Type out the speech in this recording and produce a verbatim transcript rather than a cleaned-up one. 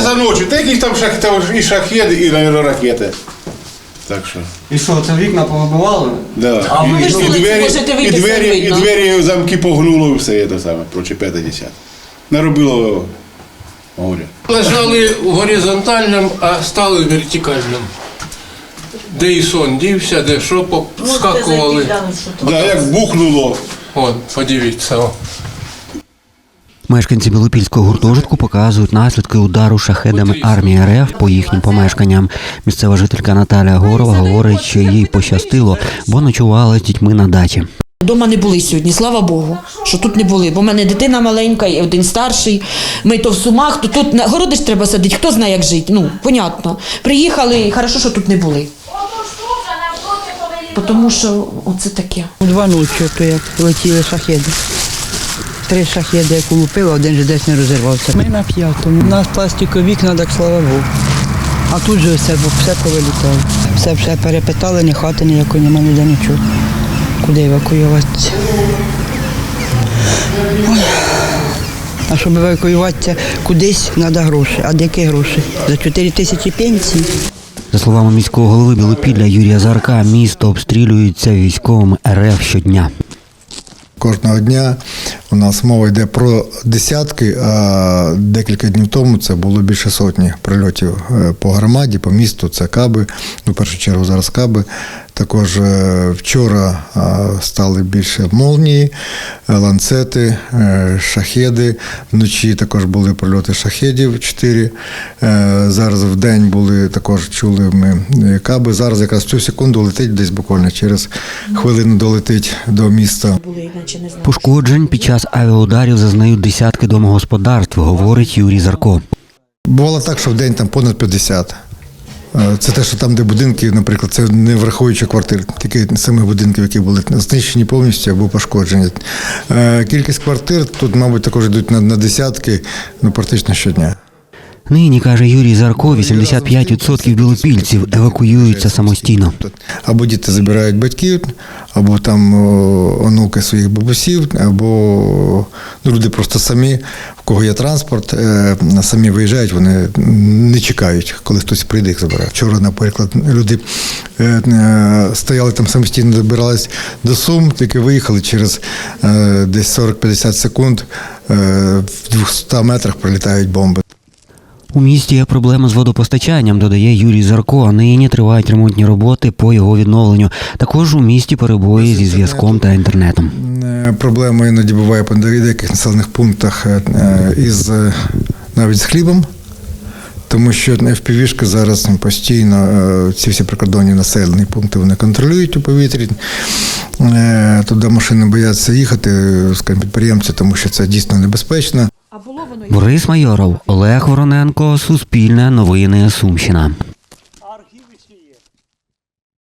за ночі, та якісь там шах, там і шахеди, і, мабуть, ракети. Так що. І що, це вікна повибивали? Да. А ви і, ж і, вулиці двері, можете вийти, і, все двері, і видно. двері замки погнуло, і все це саме, проче п'яте десяте. Наробило горя. Лежали в горизонтальному, а стали в вертикальному. Де і сон дівся, де що, поскакували. Да, як бухнуло. От, подивіться. О. Мешканці Білопільського гуртожитку показують наслідки удару шахедами армії РФ по їхнім помешканням. Місцева жителька Наталія Горова говорить, що їй пощастило, бо ночувала з дітьми на дачі. Дома не були сьогодні, слава Богу, що тут не були. Бо в мене дитина маленька, і один старший. Ми то в Сумах, то тут на городи ж треба садити. Хто знає, як жити? Ну, понятно. Приїхали, і хорошо, що тут не були. Тому що оце таке. Два ночі, то як летіли шахеди. Три шахеди, як улупили, один же десь не розірвався. Ми на п'ятому. У нас пластикові вікна, так слава Богу. А тут же все, все повилітало. Все, все перепитали, ні хати ніякої, нема ніде нічого. Куди евакуюватися? Ой. А щоб евакуюватися кудись, треба гроші. А які гроші? За чотири тисячі пенсій. За словами міського голови Білопілля Юрія Зарка, місто обстрілюється військовими РФ щодня. Кожного дня у нас мова йде про десятки, а декілька днів тому це було більше сотні прильотів по громаді, по місту. Це каби, ну, в першу чергу зараз каби. Також вчора стали більше молнії, ланцети, шахеди. Вночі також були прильоти шахедів чотири. Зараз в день були, також чули ми каби. Зараз якраз цю секунду летить десь буквально через хвилину долетить до міста. Пошкоджень під час авіаударів зазнають десятки домогосподарств, говорить Юрій Зарко. Бувало так, що в день там понад п'ятдесят. Це те, що там, де будинки, наприклад, це не враховуючи квартир, тільки самих будинків, які були знищені повністю або пошкоджені. Кількість квартир тут, мабуть, також йдуть на, на десятки, ну, практично щодня. Нині, каже Юрій Зарко, вісімдесят п'ять відсотків білопільців евакуюються самостійно. Або діти забирають батьків, або там онуки своїх бабусів, або люди просто самі, в кого є транспорт, самі виїжджають, вони не чекають, коли хтось прийде їх забирає. Вчора, наприклад, люди стояли там самостійно, добирались до Сум, тільки виїхали через десь сорок-п'ятдесят секунд, в двохстах метрах прилітають бомби. У місті є проблема з водопостачанням, додає Юрій Зарко, а нині тривають ремонтні роботи по його відновленню. Також у місті перебої зі зв'язком та інтернетом. Проблема іноді буває по деяких населених пунктах із навіть з хлібом, тому що еф пі ві-шки зараз постійно, ці всі прикордонні населені пункти вони контролюють у повітрі. Туди машини бояться їхати, скажімо, підприємці, тому що це дійсно небезпечно. Борис Майоров, Олег Вороненко, Суспільне новини, Сумщина.